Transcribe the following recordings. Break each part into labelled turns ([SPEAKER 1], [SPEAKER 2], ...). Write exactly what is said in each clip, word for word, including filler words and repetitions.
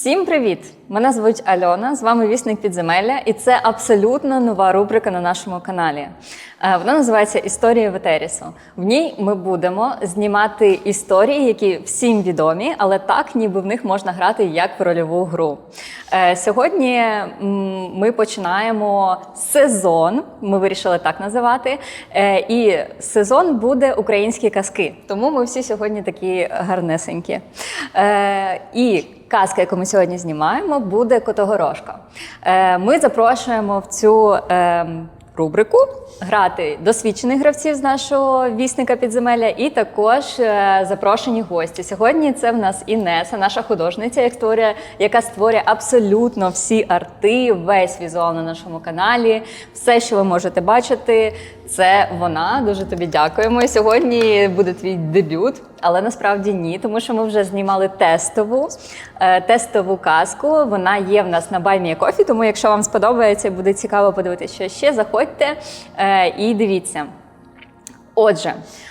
[SPEAKER 1] Всім привіт! Мене звуть Альона, з вами Вісник Підземелля, і це абсолютно нова рубрика на нашому каналі. Вона називається «Історії Ветерісу». В ній ми будемо знімати історії, які всім відомі, але так, ніби в них можна грати як в рольову гру. Сьогодні ми починаємо сезон, ми вирішили так називати, і сезон буде «Українські казки», тому ми всі сьогодні такі гарнесенькі. І казка, яку ми сьогодні знімаємо, буде «Котигорошко». Ми запрошуємо в цю рубрику грати досвідчених гравців з нашого Вісника Підземелля і також запрошені гості. Сьогодні це в нас Інеса, наша художниця, яка створює абсолютно всі арти, весь візуал на нашому каналі. Все, що ви можете бачити, це вона. Дуже тобі дякуємо. І сьогодні буде твій дебют, але насправді ні, тому що ми вже знімали тестову, тестову казку. Вона є в нас на Buy Me a Coffee, тому якщо вам сподобається і буде цікаво подивитися, що ще, заходьте і дивіться. Отже,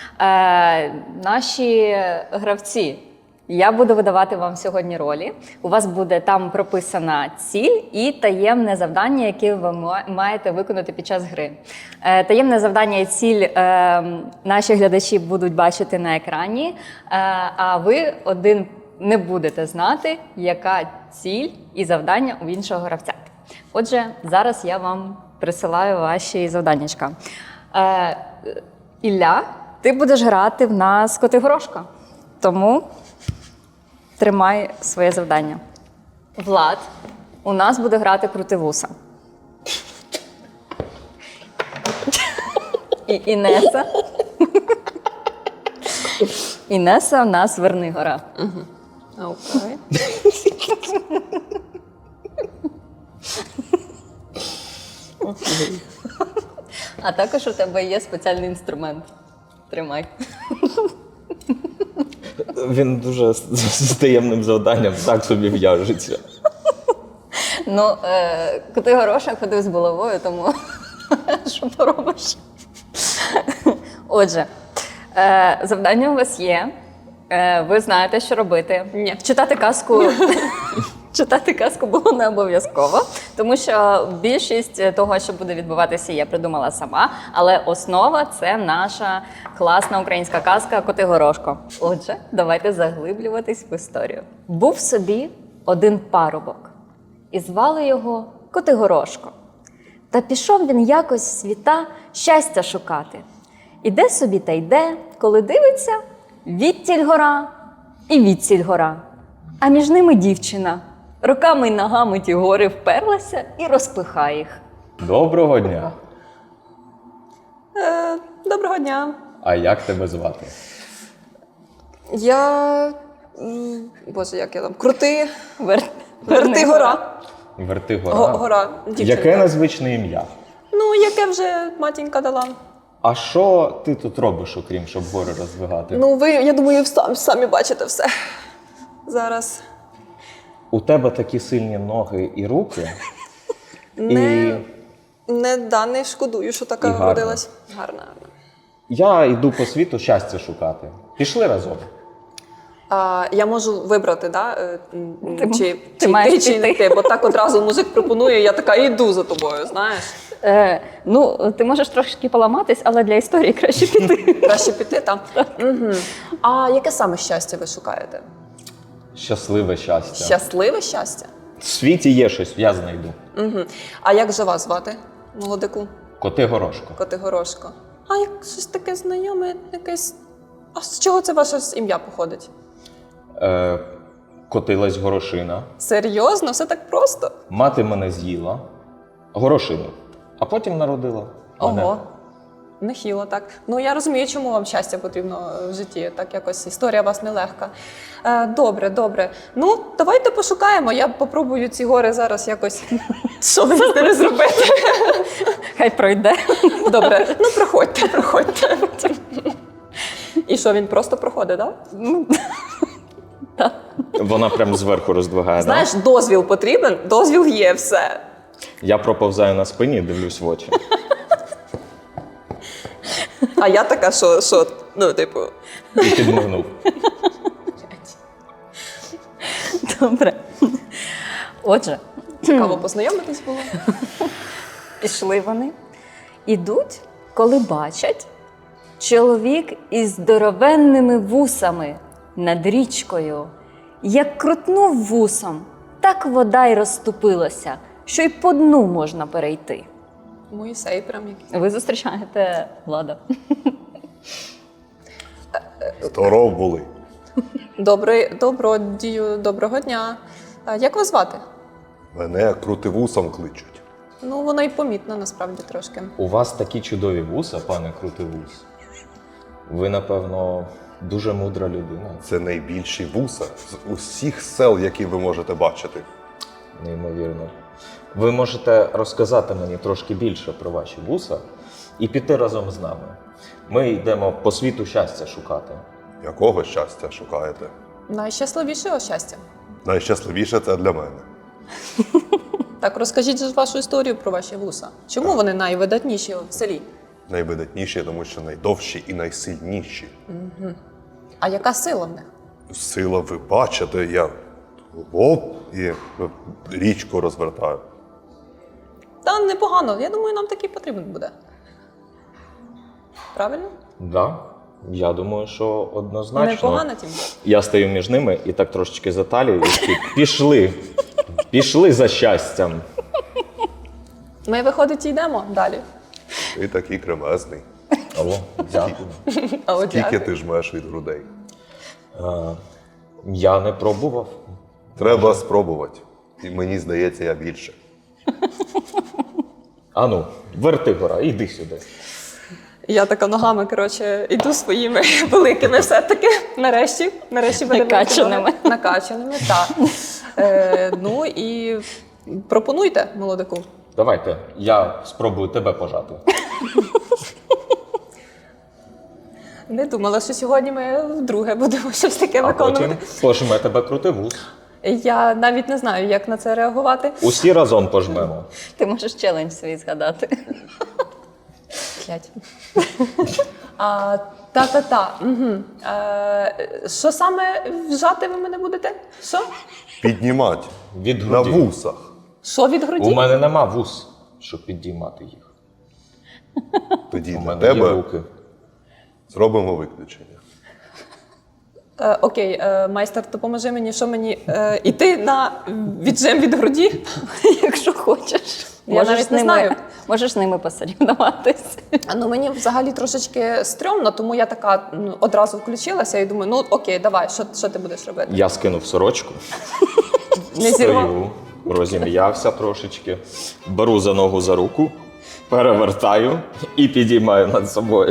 [SPEAKER 1] наші гравці. Я буду видавати вам сьогодні ролі. У вас буде там прописана ціль і таємне завдання, яке ви маєте виконати під час гри. Таємне завдання і ціль наші глядачі будуть бачити на екрані, а ви один не будете знати, яка ціль і завдання у іншого гравця. Отже, зараз я вам присилаю ваші завданнячка. Ілля, ти будеш грати в нас Котигорошко, тому тримай своє завдання. Влад у нас буде грати Крутивуса. І Інеса. Інеса у нас Вернигора.
[SPEAKER 2] Угу. Окей.
[SPEAKER 1] А також у тебе є спеціальний інструмент. Тримай.
[SPEAKER 3] Він дуже з таємним завданням так собі в'яжеться.
[SPEAKER 1] Ну, е, Котигорошко ходив з булавою, тому що поробиш? Отже, е, завдання у вас є. Е, ви знаєте, що робити.
[SPEAKER 2] Ні.
[SPEAKER 1] Читати казку... Читати казку було не обов'язково, тому що більшість того, що буде відбуватися, я придумала сама, але основа – це наша класна українська казка «Котигорошко». Отже, давайте заглиблюватись в історію. Був собі один парубок, і звали його Котигорошко. Та пішов він якось в світа щастя шукати. Іде собі та йде, коли дивиться, відтіль гора і відсіль гора, а між ними дівчина. Руками й ногами ті гори вперлася і розпихає їх.
[SPEAKER 3] Доброго дня.
[SPEAKER 2] Е, доброго дня.
[SPEAKER 3] А як тебе звати?
[SPEAKER 2] Я... м, Боже, як я там? Крути.
[SPEAKER 1] Вер...
[SPEAKER 2] Вертигора.
[SPEAKER 3] Вертигора.
[SPEAKER 2] Го- Гора. Дівчинка.
[SPEAKER 3] Яке незвичне ім'я?
[SPEAKER 2] Ну, яке вже матінька дала.
[SPEAKER 3] А що ти тут робиш, окрім щоб гори роздвигати?
[SPEAKER 2] Ну, ви, я думаю, сам- самі бачите все. Зараз.
[SPEAKER 3] У тебе такі сильні ноги і руки.
[SPEAKER 2] Не, не, да, не шкодую, що така
[SPEAKER 3] І гарна.
[SPEAKER 2] родилась. Гарна. гарна.
[SPEAKER 3] Я йду по світу щастя шукати. Пішли разом.
[SPEAKER 2] А, я можу вибрати, да? е, м,
[SPEAKER 1] Ти-
[SPEAKER 2] чи,
[SPEAKER 1] ти
[SPEAKER 2] чи
[SPEAKER 1] маєш
[SPEAKER 2] ти, чи не
[SPEAKER 1] піти.
[SPEAKER 2] ти, бо так одразу музик пропонує, я така йду за тобою, знаєш.
[SPEAKER 1] Е, ну, ти можеш трошки поламатись, але для історії краще піти.
[SPEAKER 2] Краще піти там. Угу. А яке саме щастя ви шукаєте?
[SPEAKER 3] Щасливе щастя.
[SPEAKER 2] Щасливе щастя?
[SPEAKER 3] В світі є щось, я знайду.
[SPEAKER 2] Угу. А як же вас звати, молодику?
[SPEAKER 3] Котигорошко.
[SPEAKER 2] Котигорошко. А як щось таке знайоме, якесь. А з чого це ваше ім'я походить?
[SPEAKER 3] Е, котилась горошина.
[SPEAKER 2] Серйозно? Все так просто?
[SPEAKER 3] Мати мене з'їла. Горошину. А потім народила. мене.
[SPEAKER 2] Ого. Нехило так. Ну, я розумію, чому вам щастя потрібно в житті. Так якось історія у вас нелегка. Е, добре, добре. Ну, давайте пошукаємо. Я попробую ці гори зараз якось. Що мені з ними зробити?
[SPEAKER 1] Хай пройде.
[SPEAKER 2] Добре. Ну, проходьте, проходьте. І що, він просто проходить, так? Да?
[SPEAKER 3] Вона прям зверху роздвигає.
[SPEAKER 2] Знаєш, дозвіл потрібен, дозвіл є, все.
[SPEAKER 3] Да? Я проповзаю на спині, дивлюсь в очі.
[SPEAKER 2] А я така, що, що ну, типу.
[SPEAKER 3] І підмигнув.
[SPEAKER 1] Добре. Отже,
[SPEAKER 2] Цікаво познайомитись було.
[SPEAKER 1] пішли вони. Ідуть, коли бачать чоловік із здоровенними вусами над річкою. Як крутнув вусом, так вода й розступилася, що й по дну можна перейти.
[SPEAKER 2] Моїсей прям якийсь.
[SPEAKER 1] Ви зустрічаєте Влада.
[SPEAKER 4] Здоров були.
[SPEAKER 2] Добрий, добродію, доброго дня. А як вас звати?
[SPEAKER 4] Мене крутивусом кличуть.
[SPEAKER 2] Ну, воно і помітно насправді трошки.
[SPEAKER 3] У вас такі чудові вуса, пане Крутивус. Ви, напевно, дуже мудра людина.
[SPEAKER 4] Це найбільші вуса з усіх сел, які ви можете бачити.
[SPEAKER 3] Неймовірно. Ви можете розказати мені трошки більше про ваші вуса і піти разом з нами. Ми йдемо по світу щастя шукати.
[SPEAKER 4] Якого щастя шукаєте?
[SPEAKER 2] Найщасливішого щастя.
[SPEAKER 4] Найщасливіше це для мене.
[SPEAKER 2] Так, розкажіть же вашу історію про ваші вуса. Чому вони найвидатніші в селі?
[SPEAKER 4] Найвидатніші, тому що найдовші і найсильніші.
[SPEAKER 2] А яка сила в них?
[SPEAKER 4] Сила ви бачите, я оп, і річку розвертаю.
[SPEAKER 2] Та непогано. Я думаю, нам такий потрібен буде. Правильно?
[SPEAKER 3] Да, я думаю, що однозначно.
[SPEAKER 2] Непогано тім.
[SPEAKER 3] Я стою між ними і так трошечки за талію, і такі, пішли. Пішли за щастям.
[SPEAKER 2] Ми, виходить, йдемо далі.
[SPEAKER 4] Ти такий кремезний.
[SPEAKER 3] Алло, дякую.
[SPEAKER 2] А от
[SPEAKER 4] Скільки
[SPEAKER 2] дякую.
[SPEAKER 4] ти жмеш від грудей?
[SPEAKER 3] Е, я не пробував.
[SPEAKER 4] Треба спробувати. І мені здається, я більше.
[SPEAKER 3] Ану, верти гора, іди сюди.
[SPEAKER 2] Я така ногами, коротше, йду своїми великими все-таки. Нарешті. Нарешті буде
[SPEAKER 1] Накачаними.
[SPEAKER 2] Накачаними, так. Е, ну і пропонуйте, молодику.
[SPEAKER 3] Давайте, я спробую тебе пожати.
[SPEAKER 2] Не думала, що сьогодні ми вдруге будемо щось таке
[SPEAKER 3] А
[SPEAKER 2] виконувати.
[SPEAKER 3] потім пожме тебе Крутивус.
[SPEAKER 2] Я навіть не знаю, як на це реагувати.
[SPEAKER 3] Усі разом пожмемо.
[SPEAKER 1] Ти можеш челендж свій згадати.
[SPEAKER 2] П'ять. А, та-та-та. Угу. Е, що саме вжати ви мене будете? Що?
[SPEAKER 4] Піднімати
[SPEAKER 3] Від
[SPEAKER 4] на
[SPEAKER 3] груді.
[SPEAKER 4] вусах.
[SPEAKER 2] Що від груді?
[SPEAKER 3] У мене нема вус, щоб підіймати їх.
[SPEAKER 4] Тоді
[SPEAKER 3] У
[SPEAKER 4] для
[SPEAKER 3] мене є
[SPEAKER 4] тебе
[SPEAKER 3] руки.
[SPEAKER 4] зробимо виключення.
[SPEAKER 2] Е, окей, е, майстер, допоможи мені, що мені е, іти на віджим від груді?
[SPEAKER 1] Якщо хочеш.
[SPEAKER 2] Я
[SPEAKER 1] Можеш
[SPEAKER 2] навіть
[SPEAKER 1] з
[SPEAKER 2] не
[SPEAKER 1] ними-
[SPEAKER 2] знаю.
[SPEAKER 1] Можеш з ними посорівнуватись.
[SPEAKER 2] А, Ну мені взагалі трошечки стрьомно, тому я така ну, одразу включилася і думаю, ну окей, давай, що, що ти будеш робити?
[SPEAKER 3] Я скинув сорочку,
[SPEAKER 2] Не зірвав.
[SPEAKER 3] стою, розім'явся трошечки, беру за ногу за руку, перевертаю і підіймаю над собою.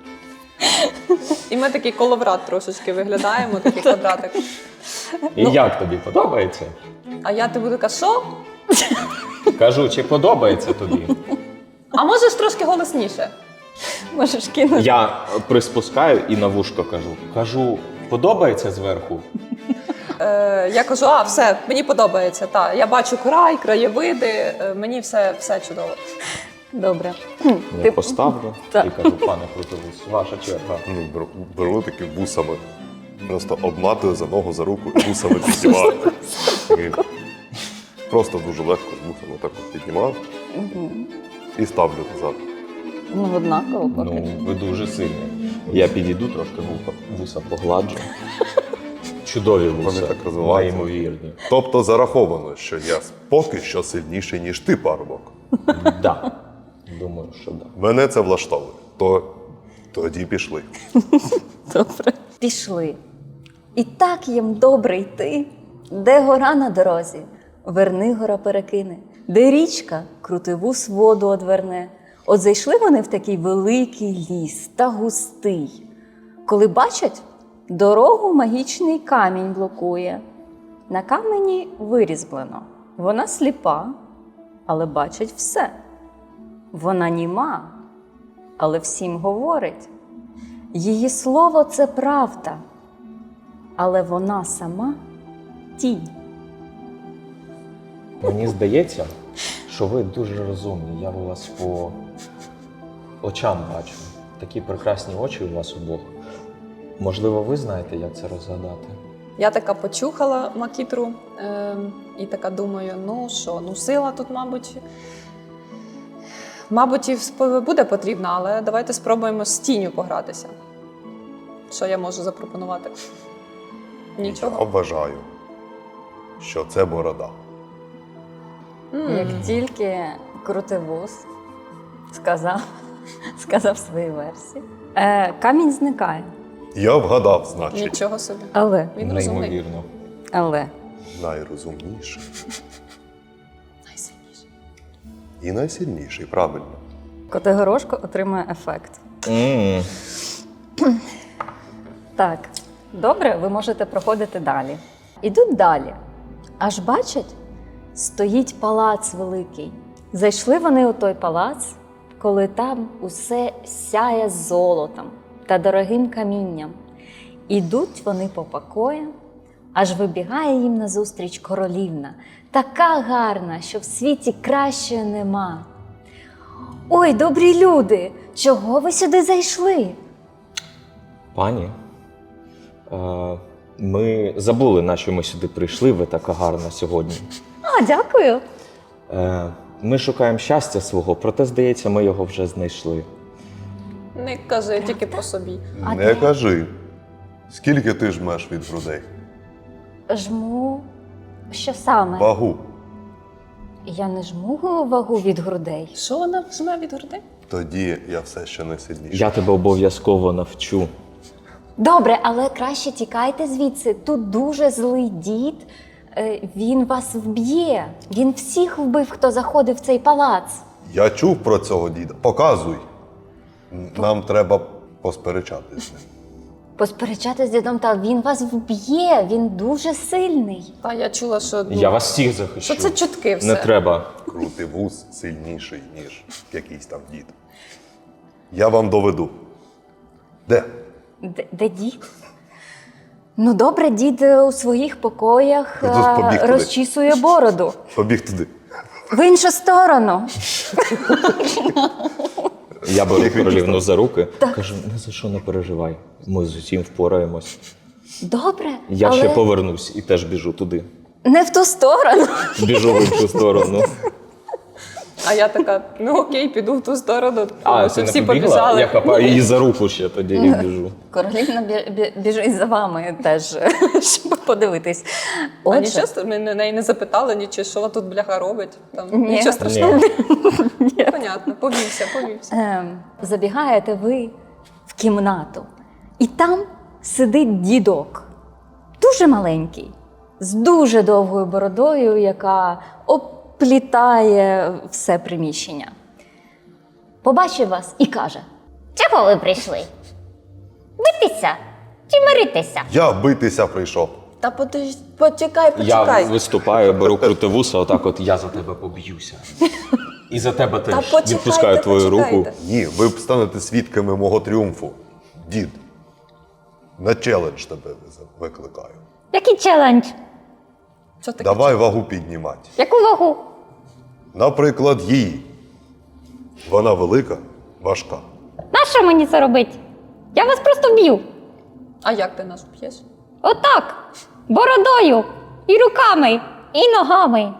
[SPEAKER 2] І ми такий коловрат трошечки виглядаємо, такий квадратик.
[SPEAKER 3] І як тобі подобається?
[SPEAKER 2] А я тобі така, що?
[SPEAKER 3] Кажу, чи подобається тобі?
[SPEAKER 2] А можеш трошки голосніше?
[SPEAKER 1] Можеш кинути.
[SPEAKER 3] Я приспускаю і на вушко кажу. Кажу, подобається зверху?
[SPEAKER 2] Е, я кажу, а, все, мені подобається. Та. Я бачу край, краєвиди, е, мені все, все чудово.
[SPEAKER 1] Добре.
[SPEAKER 3] Я поставлю
[SPEAKER 1] Так.
[SPEAKER 3] і кажу, пане Крутивус, ваша черга.
[SPEAKER 4] Ну, беру, беру таки вусами. Просто обматую за ногу, за руку і вусами піднімаю. І Просто дуже легко з вусами так от піднімав і ставлю назад.
[SPEAKER 1] Ну, однаково поки.
[SPEAKER 3] Ну, ви дуже сильні. Я підійду трошки вуха, вуса погладжу. Чудові вуса.
[SPEAKER 4] Вони так розвиваються.
[SPEAKER 3] Неймовірні.
[SPEAKER 4] Тобто зараховано, що я поки що сильніший, ніж ти, парубок.
[SPEAKER 3] Да. Думаю, що да.
[SPEAKER 4] Мене це влаштовує. То тоді пішли.
[SPEAKER 1] Добре. Пішли. І так їм добре йти, де гора на дорозі, верни гора перекине, де річка крутивус воду одверне. От зайшли вони в такий великий ліс та густий. Коли бачать, дорогу магічний камінь блокує. На камені вирізблено. Вона сліпа, але бачить все. Вона німа, але всім говорить. Її слово – це правда, але вона сама – тінь.
[SPEAKER 3] Мені здається, що ви дуже розумні. Я у вас по очам бачу. Такі прекрасні очі у вас обох. Можливо, ви знаєте, як це розгадати?
[SPEAKER 2] Я така почухала макітру е, і така думаю, ну що, ну сила тут, мабуть, мабуть, і всп- буде потрібна, але давайте спробуємо з тінню погратися. Що я можу запропонувати?
[SPEAKER 4] Я
[SPEAKER 2] Нічого.
[SPEAKER 4] вважаю, що це борода.
[SPEAKER 2] М.
[SPEAKER 1] Як тільки крутивус сказав, сказав свої версії, е, камінь зникає.
[SPEAKER 4] Я вгадав, значить.
[SPEAKER 2] Нічого собі.
[SPEAKER 1] Але,
[SPEAKER 2] Він розумний.
[SPEAKER 3] Неймовірно.
[SPEAKER 1] але
[SPEAKER 4] Найрозумніший
[SPEAKER 2] Найсильніший.
[SPEAKER 4] і найсильніший, правильно.
[SPEAKER 1] Котигорошко отримує ефект.
[SPEAKER 3] М.
[SPEAKER 1] Так, добре, ви можете проходити далі. Ідуть далі. Аж бачать, стоїть палац великий. Зайшли вони у той палац, коли там усе сяє золотом та дорогим камінням. Ідуть вони по покоям, аж вибігає їм назустріч королівна, така гарна, що в світі кращої нема. Ой, добрі люди, чого ви сюди зайшли?
[SPEAKER 3] Пані, е, ми забули, на що ми сюди прийшли, ви така гарна сьогодні.
[SPEAKER 1] А, дякую.
[SPEAKER 3] Е, Ми шукаємо щастя свого, проте, здається, ми його вже знайшли.
[SPEAKER 2] Не кажи тільки по собі.
[SPEAKER 1] А
[SPEAKER 4] Не
[SPEAKER 1] де?
[SPEAKER 4] кажи, скільки ти жмеш від грудей?
[SPEAKER 1] Жму. Що саме?
[SPEAKER 4] Вагу.
[SPEAKER 1] Я не жму вагу від грудей.
[SPEAKER 2] Що вона жме від грудей?
[SPEAKER 4] Тоді я все ще не сильніший.
[SPEAKER 3] Я тебе обов'язково навчу.
[SPEAKER 1] Добре, але краще тікайте звідси. Тут дуже злий дід. Е, Він вас вб'є. Він всіх вбив, хто заходив в цей палац.
[SPEAKER 4] Я чув про цього діда. Показуй. Нам треба посперечатись з ним.
[SPEAKER 1] Посперечати з дідом, та він вас вб'є. Він дуже сильний.
[SPEAKER 2] А я чула, що, ну,
[SPEAKER 3] Я вас всіх захищу.
[SPEAKER 2] що це чутки все.
[SPEAKER 3] Не треба.
[SPEAKER 4] Крутий вуз сильніший, ніж якийсь там дід. Я вам доведу. Де?
[SPEAKER 1] Де, де дід? Ну добре, дід е, у своїх покоях
[SPEAKER 4] Ну, тут побіг
[SPEAKER 1] е,
[SPEAKER 4] туди.
[SPEAKER 1] розчісує бороду.
[SPEAKER 4] Побіг туди.
[SPEAKER 1] В іншу сторону.
[SPEAKER 3] Я беру королівну за руки, кажу, ні за що не переживай. Ми з усім впораємось.
[SPEAKER 1] Добре,
[SPEAKER 3] Я
[SPEAKER 1] але
[SPEAKER 3] ще повернусь і теж біжу туди.
[SPEAKER 1] не в ту сторону.
[SPEAKER 3] Біжу в іншу сторону.
[SPEAKER 2] А я така, ну окей, піду в ту сторону.
[SPEAKER 3] А,
[SPEAKER 2] Тому
[SPEAKER 3] ти
[SPEAKER 2] що
[SPEAKER 3] не
[SPEAKER 2] всі
[SPEAKER 3] побігла?
[SPEAKER 2] побіжали.
[SPEAKER 3] Я хапаю її за руку ще тоді і біжу.
[SPEAKER 1] Королівна бі- бі- біжить за вами теж, щоб подивитись.
[SPEAKER 2] А
[SPEAKER 1] Отже,
[SPEAKER 2] нічого, ст- ми на неї не запитали, нічого, що вона тут бляха робить. Там,
[SPEAKER 1] Ні.
[SPEAKER 2] Нічого страшного.
[SPEAKER 3] Ні.
[SPEAKER 2] Понятно, повівся, повівся.
[SPEAKER 1] ем, забігаєте ви в кімнату, і там сидить дідок, дуже маленький, з дуже довгою бородою, яка оплітає все приміщення. Побачив вас і каже:
[SPEAKER 5] Чого ви прийшли? Битися чи миритися?
[SPEAKER 4] Я битися прийшов.
[SPEAKER 2] Та подож- почекай,
[SPEAKER 3] Я
[SPEAKER 2] почекай.
[SPEAKER 3] виступаю, беру крутивуса, отак от я за тебе поб'юся. І за тебе
[SPEAKER 2] Та
[SPEAKER 3] теж
[SPEAKER 2] почекайте,
[SPEAKER 3] відпускаю твою
[SPEAKER 2] почекайте.
[SPEAKER 3] руку.
[SPEAKER 4] Ні, ви б станете свідками мого тріумфу. Дід, на челендж тебе викликаю.
[SPEAKER 5] Який челендж?
[SPEAKER 2] Що таке?
[SPEAKER 4] Давай вагу піднімати.
[SPEAKER 5] Яку вагу?
[SPEAKER 4] Наприклад, її. Вона велика, важка.
[SPEAKER 5] Нащо мені це робить? Я вас просто б'ю.
[SPEAKER 2] А як ти нас б'єш?
[SPEAKER 5] Отак. Бородою. І руками. І ногами.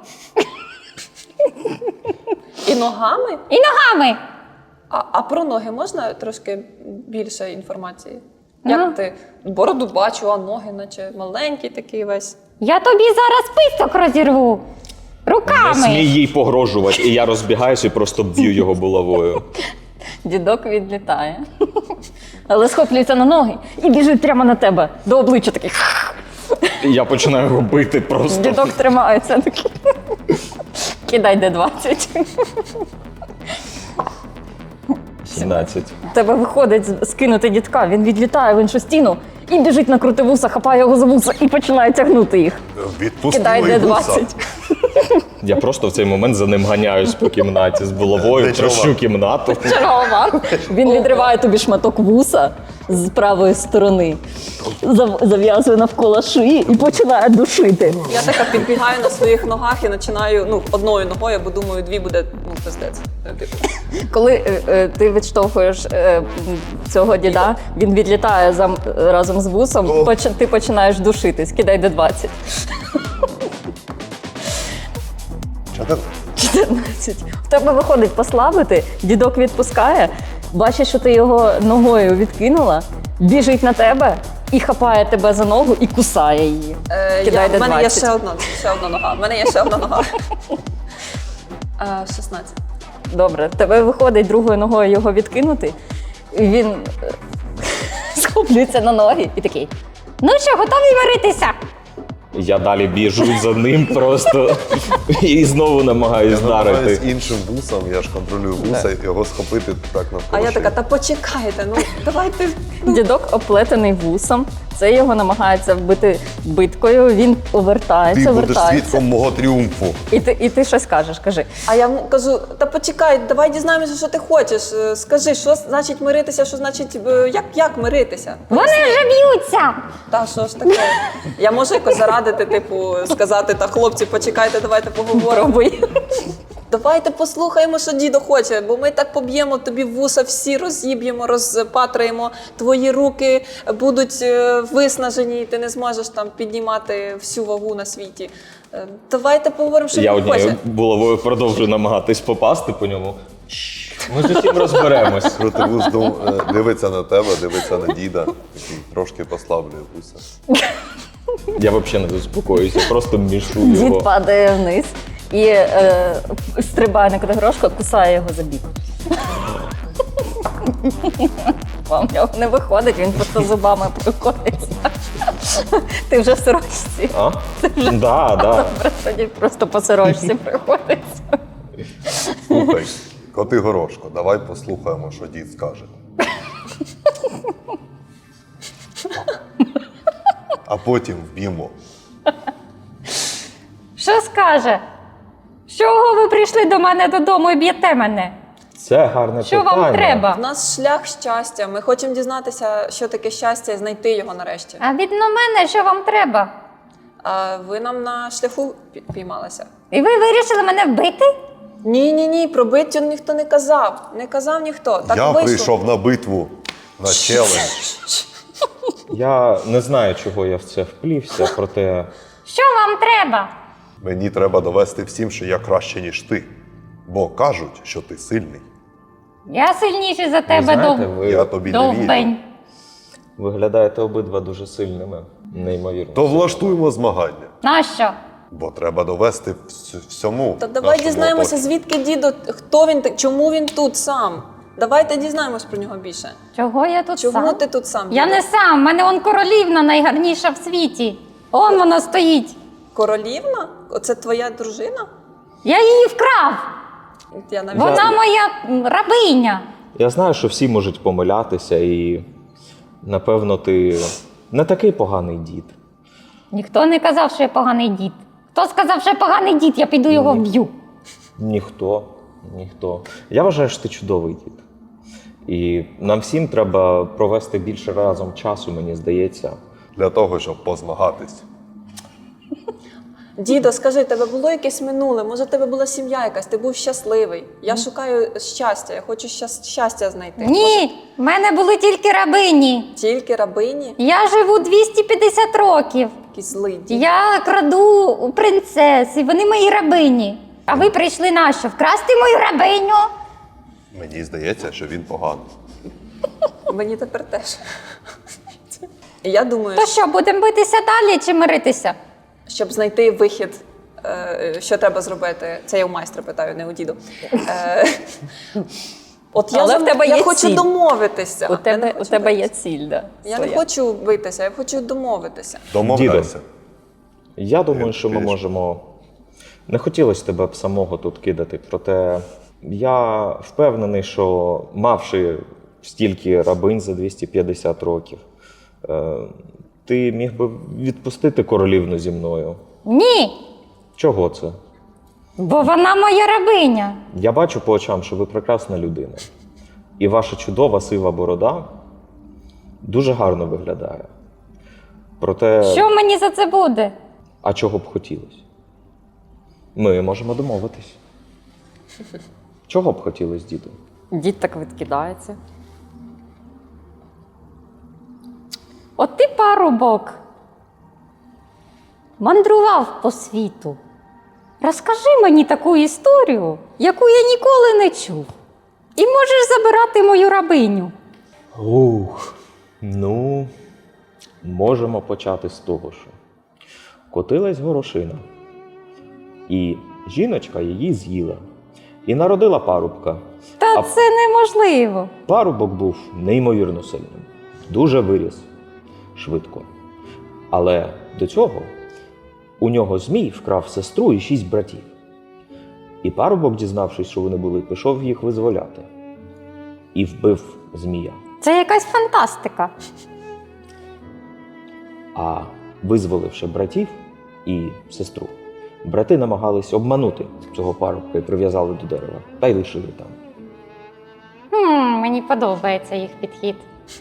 [SPEAKER 2] І ногами?
[SPEAKER 5] І ногами.
[SPEAKER 2] А, а про ноги можна трошки більше інформації? Як
[SPEAKER 5] Ага.
[SPEAKER 2] ти бороду бачу, а ноги, наче маленький такий весь.
[SPEAKER 5] Я тобі зараз писок розірву.
[SPEAKER 3] Не
[SPEAKER 5] Руками.
[SPEAKER 3] смій їй погрожувати, і я розбігаюся і просто б'ю його булавою.
[SPEAKER 1] дідок відлітає, але схоплюється на ноги і біжить прямо на тебе, до обличчя такий.
[SPEAKER 3] І я починаю його бити просто.
[SPEAKER 1] Дідок тримається такий. Кидай де двадцять.
[SPEAKER 3] сімнадцять.
[SPEAKER 1] У тебе виходить з- скинути дідка, він відлітає в іншу стіну і біжить на крутивуса, хапає його за вуса і починає тягнути їх.
[SPEAKER 4] Відпусти
[SPEAKER 1] Кидай
[SPEAKER 4] мої
[SPEAKER 1] де
[SPEAKER 4] вуса.
[SPEAKER 1] двадцять.
[SPEAKER 3] Я просто в цей момент за ним ганяюсь по кімнаті з булавою,
[SPEAKER 4] Не чувак.
[SPEAKER 3] трощу кімнату.
[SPEAKER 1] Чергова. Він відриває тобі шматок вуса, з правої сторони, зав- зав'язує навколо шиї і починає душити.
[SPEAKER 2] Я така підбігаю на своїх ногах і починаю ну, одною ногою, бо думаю, дві буде ну, пиздець. Типу.
[SPEAKER 1] Коли е, е, ти відштовхуєш е, цього діда, він відлітає зам, разом з вусом,
[SPEAKER 4] О.
[SPEAKER 1] поч, ти починаєш душитись. Кидай де двадцять.
[SPEAKER 4] Чотирнадцять.
[SPEAKER 1] чотирнадцять. В тебе виходить послабити, дідок відпускає, бачиш, що ти його ногою відкинула, біжить на тебе і хапає тебе за ногу і кусає її.
[SPEAKER 2] Е,
[SPEAKER 1] Кидай
[SPEAKER 2] я,
[SPEAKER 1] де
[SPEAKER 2] в мене є
[SPEAKER 1] двадцять.
[SPEAKER 2] ще одна, ще одна нога. В мене є ще одна нога. Е, шістнадцять.
[SPEAKER 1] Добре, в тебе виходить другою ногою його відкинути, і він е, схоплюється на ноги і такий.
[SPEAKER 5] Ну що, готові варитися?
[SPEAKER 3] Я далі біжу за ним просто і знову намагаюсь
[SPEAKER 4] Я намагаюсь
[SPEAKER 3] вдарити.
[SPEAKER 4] іншим вусом, я ж контролюю вуса, його схопити так навколо
[SPEAKER 2] А я
[SPEAKER 4] шиї.
[SPEAKER 2] така, та почекайте, ну давайте.
[SPEAKER 1] Дідок оплетений вусом, це його намагається вбити биткою, він
[SPEAKER 4] Ти
[SPEAKER 1] повертається,
[SPEAKER 4] будеш
[SPEAKER 1] вертається.
[SPEAKER 4] свідком мого тріумфу.
[SPEAKER 1] І ти, і ти щось кажеш, кажи.
[SPEAKER 2] А я йому кажу, та почекай, давай дізнаємося, що ти хочеш. Е, Скажи, що значить миритися, що значить, е, як, як миритися?
[SPEAKER 5] Вони вже б'ються!
[SPEAKER 2] Та що ж таке? Я можу якось зарадити, типу, сказати, та хлопці, почекайте, давайте поговоримо.
[SPEAKER 1] Пробуй.
[SPEAKER 2] Давайте послухаємо, що дідо хоче, бо ми так поб'ємо тобі вуса, всі розіб'ємо, розпатраємо, твої руки будуть е, виснажені, і ти не зможеш там піднімати всю вагу на світі. Е, Давайте поговоримо, що
[SPEAKER 3] Я
[SPEAKER 2] він
[SPEAKER 3] однією
[SPEAKER 2] хоче.
[SPEAKER 3] булавою продовжую намагатись попасти по ньому. Ми з усім розберемось.
[SPEAKER 4] Крутивус дум- е, дивиться на тебе, дивиться на діда, такий трошки послаблює вуса.
[SPEAKER 3] Я взагалі не заспокоюся, просто мішу
[SPEAKER 1] Дід
[SPEAKER 3] його.
[SPEAKER 1] падає вниз і е, стрибає на Категорошка, кусає його за бік. Вам в нього не виходить, він просто зубами проходиться. Ти вже в сорочці.
[SPEAKER 3] А? Да, да.
[SPEAKER 1] Добре, тоді просто по сорочці приходиться.
[SPEAKER 4] Слухай, коти горошко, давай послухаємо, що дід скаже. А потім вб'ємо.
[SPEAKER 5] Що скаже? З чого ви прийшли до мене додому і б'єте мене?
[SPEAKER 3] Це гарне
[SPEAKER 5] Що
[SPEAKER 3] питання.
[SPEAKER 5] вам треба?
[SPEAKER 2] У нас шлях щастя. Ми хочемо дізнатися, що таке щастя, і знайти його нарешті.
[SPEAKER 5] А від мене що вам треба?
[SPEAKER 2] А ви нам на шляху пі- піймалися?
[SPEAKER 5] І ви вирішили мене вбити?
[SPEAKER 2] Ні, ні, ні, про биттю ніхто не казав. Не казав ніхто. Так
[SPEAKER 4] Я
[SPEAKER 2] вийшло.
[SPEAKER 4] прийшов на битву, на челендж.
[SPEAKER 3] Я не знаю, чого я в це вплівся, проте
[SPEAKER 5] Що вам треба?
[SPEAKER 4] Мені треба довести всім, що я краще, ніж ти. Бо кажуть, що ти сильний.
[SPEAKER 5] Я сильніший за
[SPEAKER 3] ви
[SPEAKER 5] тебе,
[SPEAKER 3] знаєте,
[SPEAKER 5] дов...
[SPEAKER 3] ви
[SPEAKER 4] Я тобі не вірю.
[SPEAKER 5] довбень.
[SPEAKER 3] виглядаєте обидва дуже сильними. Неймовірно.
[SPEAKER 4] То влаштуємо змагання.
[SPEAKER 5] Нащо?
[SPEAKER 4] Бо треба довести вс- всьому.
[SPEAKER 2] Та давай
[SPEAKER 4] нашому
[SPEAKER 2] дізнаємося,
[SPEAKER 4] оточенню.
[SPEAKER 2] звідки дідо, хто він, так- чому він тут сам. Давайте дізнаємось про нього більше.
[SPEAKER 5] Чого я тут
[SPEAKER 2] Чому
[SPEAKER 5] сам?
[SPEAKER 2] ти тут сам?
[SPEAKER 5] Я
[SPEAKER 2] дідо?
[SPEAKER 5] не сам, в мене он королівна найгарніша в світі. Он вона стоїть.
[SPEAKER 2] Королівна? Оце твоя дружина?
[SPEAKER 5] Я її вкрав.
[SPEAKER 2] Я навіть
[SPEAKER 5] Вона моя м, рабиня.
[SPEAKER 3] Я знаю, що всі можуть помилятися, і напевно ти не такий поганий дід.
[SPEAKER 5] Ніхто не казав, що я поганий дід. Хто сказав, що я поганий дід, я піду його вб'ю.
[SPEAKER 3] Ніхто, ніхто. Я вважаю, що ти чудовий дід. І нам всім треба провести більше разом часу, мені здається.
[SPEAKER 4] Для того, щоб позмагатись.
[SPEAKER 2] Дідо, скажи, тебе було якесь минуле? Може, в тебе була сім'я якась, ти був щасливий. Я шукаю щастя, я хочу щас- щастя знайти.
[SPEAKER 5] Ні, в мене були тільки рабині.
[SPEAKER 2] Тільки рабині,
[SPEAKER 5] Я живу двісті п'ятдесят років.
[SPEAKER 2] якийсь злий дід.
[SPEAKER 5] Я краду у принцес, і вони мої рабині. А ви прийшли на що? Вкрасти мою рабиню?
[SPEAKER 4] Мені здається, що він поганий.
[SPEAKER 2] Мені тепер теж. І я думаю,
[SPEAKER 5] То що, будемо битися далі чи миритися?
[SPEAKER 2] щоб знайти вихід, е, що треба зробити. Це я у майстра питаю, не у діду. Е, От я,
[SPEAKER 1] Але
[SPEAKER 2] зам-
[SPEAKER 1] в тебе
[SPEAKER 2] я
[SPEAKER 1] є
[SPEAKER 2] хочу
[SPEAKER 1] ціль.
[SPEAKER 2] домовитися.
[SPEAKER 1] У
[SPEAKER 2] Я
[SPEAKER 1] тебе,
[SPEAKER 2] не
[SPEAKER 1] у
[SPEAKER 2] хочу
[SPEAKER 1] тебе є
[SPEAKER 2] битися.
[SPEAKER 1] ціль, да,
[SPEAKER 2] Я не
[SPEAKER 1] своя.
[SPEAKER 2] хочу битися, я хочу домовитися.
[SPEAKER 4] Домовляйся.
[SPEAKER 3] Я думаю, що ми
[SPEAKER 4] Більше.
[SPEAKER 3] можемо. Не хотілося тебе б самого тут кидати, проте я впевнений, що мавши стільки рабинь за двісті п'ятдесят років, е, ти міг би відпустити королівну зі мною.
[SPEAKER 5] Ні,
[SPEAKER 3] Чого це?
[SPEAKER 5] бо вона моя рабиня.
[SPEAKER 3] Я бачу по очам, що ви прекрасна людина. І ваша чудова сива борода Дуже гарно виглядає. Проте,
[SPEAKER 5] Що мені за це буде?
[SPEAKER 3] а чого б хотілося? Ми можемо домовитись. Чого б хотілося, діду?
[SPEAKER 5] Дід так відкидається. От ти, парубок, мандрував по світу. Розкажи мені таку історію, яку я ніколи не чув. І можеш забирати мою рабиню.
[SPEAKER 3] Ух, ну, можемо почати з того, що котилась горошина, і жіночка її з'їла, і народила парубка.
[SPEAKER 5] Та
[SPEAKER 3] А-
[SPEAKER 5] це неможливо.
[SPEAKER 3] Парубок був неймовірно сильним, дуже виріс швидко. Але до цього у нього змій вкрав сестру і шість братів. І парубок, дізнавшись, що вони були, пішов їх визволяти. І вбив змія.
[SPEAKER 5] Це якась фантастика.
[SPEAKER 3] А визволивши братів і сестру, брати намагались обманути цього парубка і прив'язали до дерева, та й лишили там.
[SPEAKER 5] Хм, мені подобається їх підхід.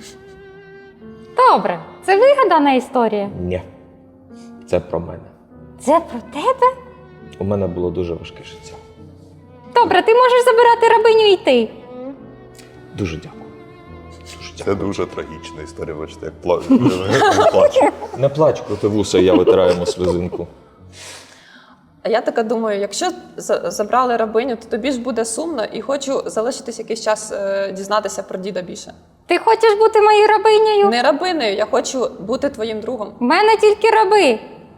[SPEAKER 5] Добре, це вигадана історія.
[SPEAKER 3] Ні, це про мене.
[SPEAKER 5] Це про тебе?
[SPEAKER 3] У мене було дуже важке життя.
[SPEAKER 5] Добре, ти можеш забирати рабиню і йти.
[SPEAKER 3] Дуже дякую. Дуже
[SPEAKER 4] Це
[SPEAKER 3] дякую.
[SPEAKER 4] дуже трагічна історія, бачите, як пла- як плаче.
[SPEAKER 3] Не плач проти вуса, я витираємо слезинку.
[SPEAKER 2] А я така думаю, якщо за- забрали рабиню, то тобі ж буде сумно і хочу залишитись якийсь час е, дізнатися про діда більше.
[SPEAKER 5] Ти хочеш бути моєю рабинею?
[SPEAKER 2] Не рабинею, я хочу бути твоїм другом.
[SPEAKER 5] В мене тільки раби.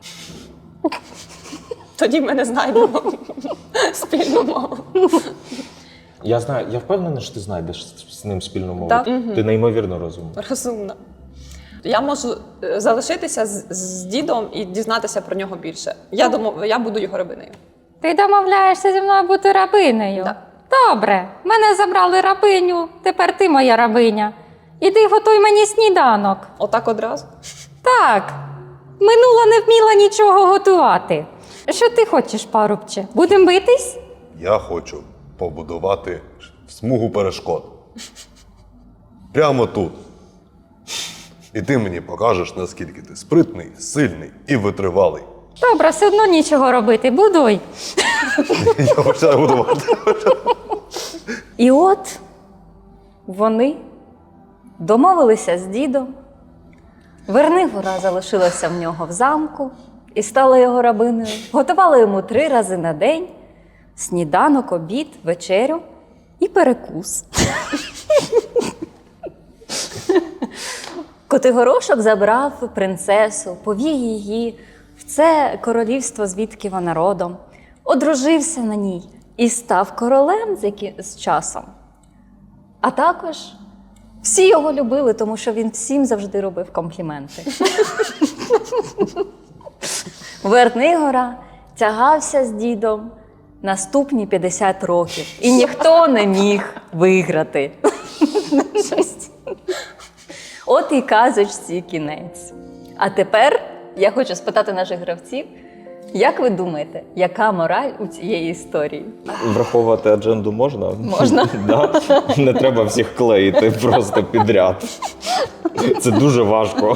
[SPEAKER 2] Тоді ми не знайдемо спільну мову.
[SPEAKER 3] Я знаю, я впевнений, що ти знайдеш з з ним спільну мову.
[SPEAKER 2] Так.
[SPEAKER 3] Ти неймовірно розумний.
[SPEAKER 2] Розумно. Я можу е, залишитися з, з дідом і дізнатися про нього більше. Я думаю, я буду його рабинею.
[SPEAKER 5] Ти домовляєшся зі мною бути рабинею?
[SPEAKER 2] Так.
[SPEAKER 5] Добре, мене забрали рабиню, тепер ти моя рабиня. Іди готуй мені сніданок.
[SPEAKER 2] Отак одразу.
[SPEAKER 5] Так, минула не вміла нічого готувати. Що ти хочеш, парубче? Будем битись?
[SPEAKER 4] Я хочу побудувати смугу перешкод. Прямо тут. І ти мені покажеш, наскільки ти спритний, сильний і витривалий.
[SPEAKER 5] Добре, все одно нічого робити, будуй.
[SPEAKER 4] Я починаю будувати.
[SPEAKER 1] І от вони домовилися з дідом. Вернигора залишилася в нього в замку і стала його рабиною. Готувала йому три рази на день сніданок, обід, вечерю і перекус. Котигорошок забрав принцесу, повів її в це королівство, звідки вона родом, одружився на ній і став королем з, які... з часом. А також всі його любили, тому що він всім завжди робив компліменти. Вернигора тягався з дідом наступні п'ятдесят років, і ніхто не міг виграти. Щось. От і казочці кінець. А тепер я хочу спитати наших гравців, як ви думаєте, яка мораль у цієї історії?
[SPEAKER 3] Враховувати адженду можна?
[SPEAKER 1] Можна.
[SPEAKER 3] Да? Не треба всіх клеїти просто підряд. Це дуже важко.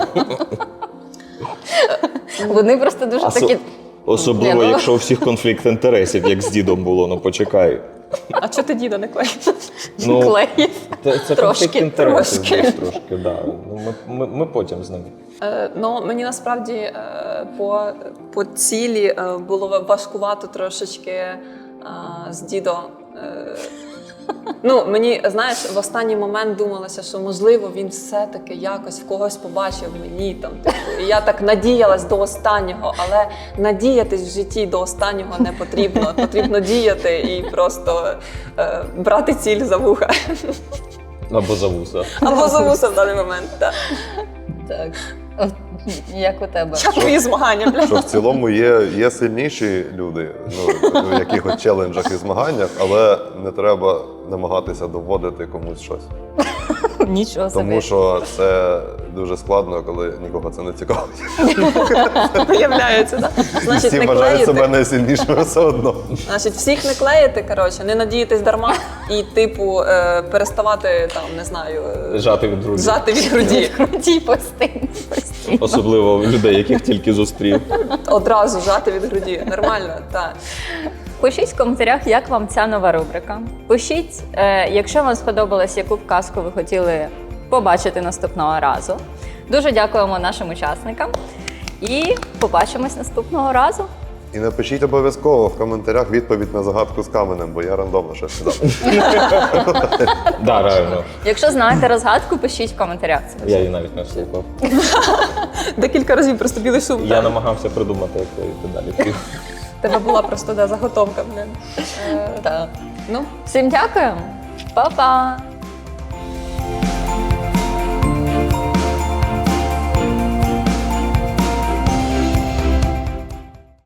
[SPEAKER 1] Вони просто дуже
[SPEAKER 3] Осо-
[SPEAKER 1] такі.
[SPEAKER 3] Особливо,
[SPEAKER 1] Ні, ну-
[SPEAKER 3] якщо у всіх конфлікт інтересів, як з дідом було, ну почекай.
[SPEAKER 2] А чого ти діда не клеїш?
[SPEAKER 3] Ну,
[SPEAKER 1] Клеїв.
[SPEAKER 3] Це, це
[SPEAKER 1] Трошки,
[SPEAKER 3] конфлікт інтересів
[SPEAKER 1] трошки.
[SPEAKER 3] десь трошки, да. Ну, ми, ми, ми потім з ним.
[SPEAKER 2] Е, ну, мені насправді е, по, по цілі е, було важкувато трошечки е, з дідом. Е, ну, мені, знаєш, в останній момент думалося, що можливо він все-таки якось в когось побачив мені там. Типу, і я так надіялась до останнього, але надіятись в житті до останнього не потрібно. Потрібно діяти і просто е, брати ціль за вуха.
[SPEAKER 3] Або за вуса.
[SPEAKER 2] Або за вуса в даний момент. Так.
[SPEAKER 1] Так. От, як у тебе?
[SPEAKER 2] Як твої змагання, бля?
[SPEAKER 4] Що в цілому є, є сильніші люди ну, в якихось челенджах і змаганнях, але не треба намагатися доводити комусь щось.
[SPEAKER 1] Нічого собі.
[SPEAKER 4] Тому що це дуже складно, коли нікого це не цікавить.
[SPEAKER 2] Виявляється, так? Значить,
[SPEAKER 4] Всі
[SPEAKER 2] не
[SPEAKER 4] вважають себе
[SPEAKER 2] клеїти.
[SPEAKER 4] найсильнішими все одно.
[SPEAKER 2] Значить, всіх не клеїти, коротше, не надіятись дарма і, типу, е, переставати, там, не знаю, е,
[SPEAKER 3] Жати від груді.
[SPEAKER 2] жати від груді.
[SPEAKER 5] Круті постійно, постійно.
[SPEAKER 3] Особливо людей, яких тільки зустрів.
[SPEAKER 2] Одразу жати від груді. Нормально, так.
[SPEAKER 1] Пишіть в коментарях, як вам ця нова рубрика. Пишіть, е, якщо вам сподобалось, яку б казку ви хотіли побачити наступного разу. Дуже дякуємо нашим учасникам і побачимось наступного разу.
[SPEAKER 4] І напишіть обов'язково в коментарях відповідь на загадку з каменем, бо я рандомно щось не дав.
[SPEAKER 3] Да, реально.
[SPEAKER 1] Якщо знаєте розгадку, пишіть в коментарях. Це
[SPEAKER 3] Я її навіть не слухав.
[SPEAKER 2] Декілька разів просто білий шум.
[SPEAKER 3] Я намагався придумати, як я далі.
[SPEAKER 2] В тебе була просто да, заготовка, блин. Е,
[SPEAKER 1] так.
[SPEAKER 2] ну,
[SPEAKER 1] Всім дякуємо. Па-па!